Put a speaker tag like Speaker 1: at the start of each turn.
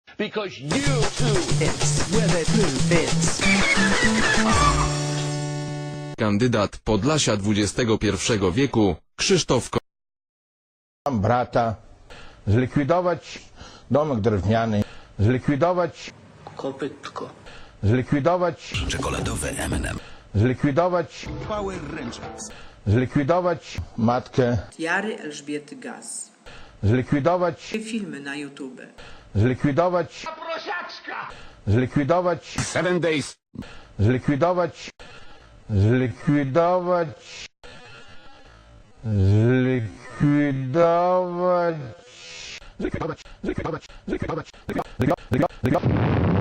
Speaker 1: Because you two
Speaker 2: It's where they prove it's.
Speaker 3: Kandydat Podlasia XXI wieku, Krzysztof
Speaker 4: Brata, zlikwidować domek drewniany, zlikwidować
Speaker 1: kopytko.
Speaker 4: zlikwidować
Speaker 5: Czekoladowe M&M.
Speaker 4: zlikwidować
Speaker 5: Power Rangers.
Speaker 4: zlikwidować matkę,
Speaker 6: Jary Elżbiety Gaz.
Speaker 4: zlikwidować
Speaker 6: Filmy na YouTube.
Speaker 4: zlikwidować zlikwidować
Speaker 5: 7 Days.
Speaker 4: zlikwidować zlikwidować zlikwidować zlikwidować zlikwidować zlikwidować zlikwidować